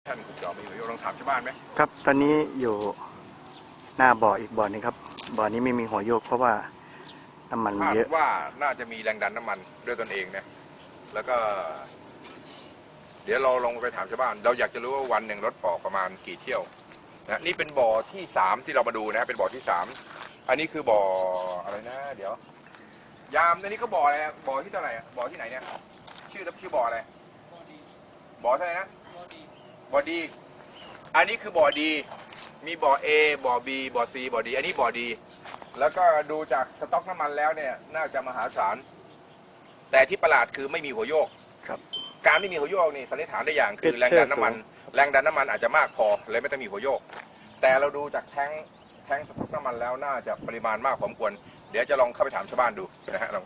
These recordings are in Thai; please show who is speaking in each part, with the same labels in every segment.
Speaker 1: ท่านคุณจอมีประโยชน์ลองถามชาวบ้านไหม
Speaker 2: ครับตอนนี้อยู่หน้าบ่ออีกบ่อนึงครับบ่อนี้ไม่มีหัวโยกเพราะว่าน้ำมันเยอะ
Speaker 1: ว่าน่าจะมีแรงดันน้ำมันด้วยตนเองนะแล้วก็เดี๋ยวเราลองไปถามชาวบ้านเราอยากจะรู้ว่าวันหนึ่งรถออกประมาณกี่เที่ยวนะนี่เป็นบ่อที่3ที่เรามาดูนะเป็นบ่อที่3อันนี้คือบ่ออะไรนะเดี๋ยวยามอันนี้ก็บ่ออะไรบ่อที่เท่าไหร่บ่อที่ไหนเนี่ยชื่อบ่ออะไรบ่อเท่าไหร่นะบ่อดีอันนี้คือบ่อดีมีบ่อ A บ่อ B บ่อ C บ่อดีอันนี้บ่อดีแล้วก็ดูจากสต็อกน้ำมันแล้วเนี่ยน่าจะมหาศาลแต่ที่ประหลาดคือไม่มีหัวโยก
Speaker 2: ครับ
Speaker 1: การไม่มีหัวโยกนี่สันนิษฐานได้อย่างคือแรงดันน้ำมันอาจจะมากพอเลยไม่ต้องมีหัวโยกแต่เราดูจากแท้งสต็อกน้ำมันแล้วน่าจะปริมาณมากพอสมควรเดี๋ยวจะลองเข้าไปถามชาวบ้านดูนะฮะลอง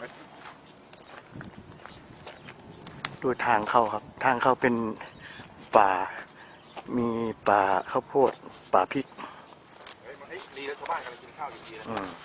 Speaker 2: ดูทางเข้าครับทางเข้าเป็นป่ามีป่าข้าวโพดป่าพริก
Speaker 1: ดีแล้วชาวบ้านกำลังกินข้าวอยู่ดีเลย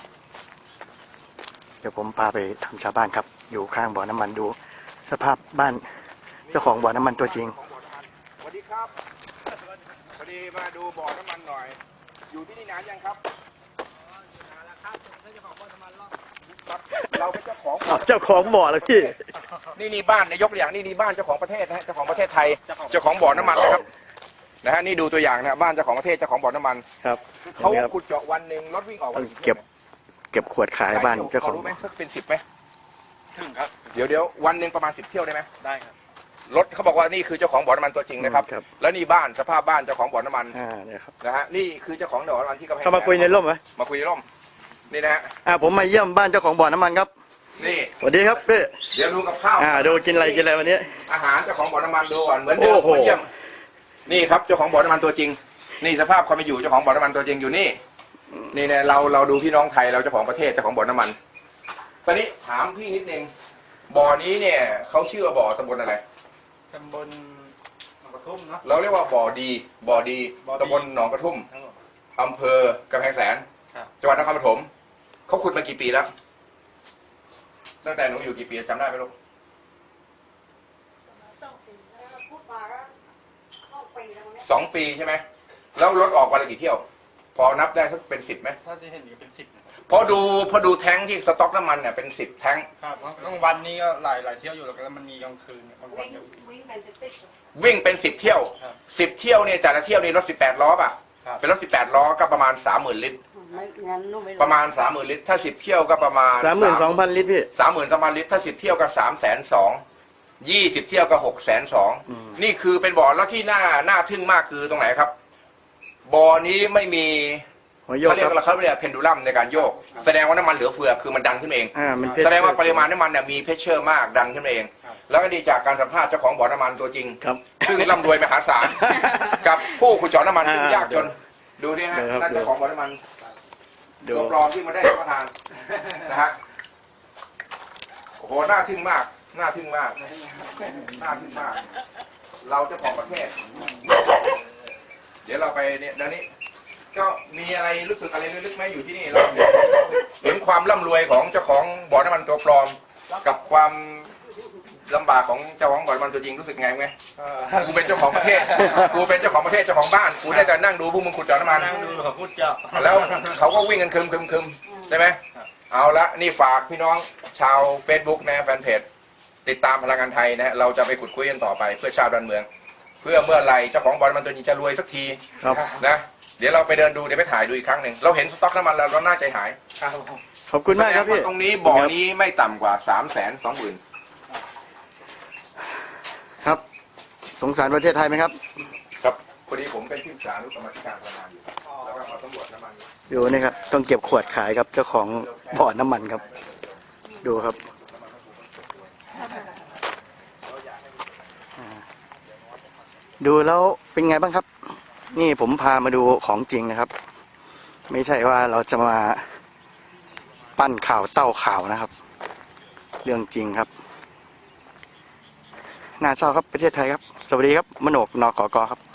Speaker 2: เดี๋ยวผมพาไปทำชาวบ้านครับอยู่ข้างบ่อน้ำมันดูสภาพบ้านเจ้าของบ่อน้ำมันตัวจริง
Speaker 1: สวัสดีครับพอดีมาดูบ่อน้ำมันหน่อยอยู่ที่นี่นานยังครับนานแล้วครับเจ้าของบ่อน้ำมันเราเป็นเจ้า
Speaker 2: ของบ่อแล้วพี่
Speaker 1: นี่บ้านในยกตัวอย่างนี่บ้านเจ้าของประเทศนะฮะเจ้าของประเทศไทยเจ้าของบ่อน้ำมันนะครับนะฮะนี่ดูตัวอย่างนะบ้านเจ้าของประเทศเจ้าของบ่อน้ำมัน
Speaker 2: ครับ
Speaker 1: เขาขุดเจาะวันหนึ่งรถวิ่งออกวัน
Speaker 2: เก็บขวดขายบ้านเจ้าของ
Speaker 1: รู้ไหมสักเป็น10ไหมถึงครับเดี๋ยววันหนึ่งประมาณ10 เที่ยวได้ไหมได้ครับรถเขาบอกว่านี่คือเจ้าของบ่อน้ำมันตัวจริงนะครับแล้วนี่บ้านสภาพบ้านเจ้าของบ่อน้ำมันนะฮะนี่คือเจ้าของบ่อน้ำมันที่กำแพง
Speaker 2: เขามาคุยในร่มไหม
Speaker 1: มาคุยในร่มนี่นะฮะ
Speaker 2: ผมมาเยี่ยมบ้านเจ้าของบ่อน้ำมันครับ
Speaker 1: นี่
Speaker 2: สวัสดีครับพี่
Speaker 1: เดี๋ยวดูกับข้าว
Speaker 2: ดูกินอะไรวันนี้
Speaker 1: อาหารเจ้าของบ่อน้ำมันดูก่อนเหมือนเดิมมาเยี่ยมนี่ครับเจ้าของบ่อน้ำมันตัวจริงนี่สภาพความเป็นอยู่เจ้าของบ่อน้ำมันตัวจริงอยู่นี่เนี่ยเราดูพี่น้องไทยเราเจ้าของประเทศเจ้าของบ่อน้ำมันตอนนี้ถามพี่นิดนึงบ่อนี้เนี่ยเขาชื่อว่าบ่อตำบลอะไร
Speaker 3: ตำบลหนองกระทุ่มเนาะ
Speaker 1: เราเรียกว่าบ่อดีตำบลหนองกระทุ่มอำเภอกำแพงแสนจังหวัดนครปฐมเขาขุดมากี่ปีแล้วตั้งแต่หนูอยู่กี่ปีจำได้ไหมลูก2 ปีใช่ไหมแล้วรถออกวันละกี่เที่ยวพอนับได้สักเป็น10ไหม
Speaker 3: ถ้าจะเห็นอยู่เป็น10
Speaker 1: พอดูแท้งที่สต็อกน้ำมันเนี่ยเป็น10 แท้ง
Speaker 3: ครับกลางวันนี้ก็หลายเที่ยวอยู่แล้วก็มันมีกลางคืนบางวัน
Speaker 1: วิ่งเป็น10 เที่ยว10 เที่ยวเนี่ยแต่ละเที่ยวนี่รถ18 ล้อป่ะเป็นรถ18 ล้อก็ประมาณ30,000 ลิตรประมาณ30,000 ลิตรถ้า10 เที่ยวก็ประมาณ
Speaker 2: 32,000 ลิตรพี่
Speaker 1: 32,000 ลิตรถ้า10 เที่ยวก็320,000 20 เที่ยวก็620,000นี่คือเป็นบ่อแล้วที่น่าทึ่งมากคือตรงไหนครับบ่อนี้ไม่มีเขาเรียกว่าเขาเรียกเพนดูลัมในการโยกแสดงว่าน้ำมันเหลือเฟือคือมันดันขึ้นเองแสดงว่าปริมาณน้ำมันเนี่ยมีเพชเชอร์มากดันขึ้นเองแล้วก็ดีจากการสัมภาษณ์เจ้าของบ่อน้ำมันตัวจริงซึ่งร่ำรวยมหาศาลกับผู้ขุดเจาะน้ำมันซึ่งยากจนดูนี่ฮะนั่นเจ้าของบ่อน้ำมันตัวปลอมที่มาได้รับประทานนะฮะโอ้โหน่าทึ่งมากเราเจ้าของประเทศเดี๋ยวเราไปเนี่ยเดี๋ยวนี้ก็มีอะไรรู้สึกอะไรลึกๆไหมอยู่ที่นี่เราเห็นความร่ำรวยของเจ้าของบ่อน้ำมันตัวปลอมกับความลำบากของเจ้าของบ่อน้ำมันตัวจริงรู้สึกไงไหมกูเป็นเจ้าของประเทศเจ้าของบ้านกูได้แต่นั่งดูพวกมึงขุดเจาะน้ำมัน
Speaker 3: เขาขุดเจาะ
Speaker 1: แล้วเขาก็วิ่งกันคึมใช่ไหมเอาละนี่ฝากพี่น้องชาว Facebook นะแฟนเพจติดตามพลังงานไทยนะเราจะไปขุดคุยกันต่อไปเพื่อชาวดอนเมืองเพื่อเมื่อไรเจ้าของบ่อน้ำมันตัวนี้จะรวยสักทีนะเดี๋ยวเราไปเดินดูเดี๋ยวไปถ่ายดูอีกครั้งหนึ่งเราเห็นสต็อกน้ำมันแล้วเราน่าใจหาย
Speaker 2: ขอบคุณมากครับพี่
Speaker 1: ตรงนี้บ่อนี้ไม่ต่ำกว่า320,000
Speaker 2: ครับสงสารประเทศไทยไหมครับ
Speaker 1: ครับพอดีผมเป็นที่ปรึกษานุกรรมการพลังงานอยู่แล้วก็มาสำรวจน้ำมัน
Speaker 2: อยู่นี่ครับต้องเก็บขวดขายครับเจ้าของบ่อน้ำมันครับดูครับดูแล้วเป็นไงบ้างครับนี่ผมพามาดูของจริงนะครับไม่ใช่ว่าเราจะมาปั้นข่าวเต้าข่าวนะครับเรื่องจริงครับน่าเศร้าครับประเทศไทยครับสวัสดีครับมโนกนกกครับ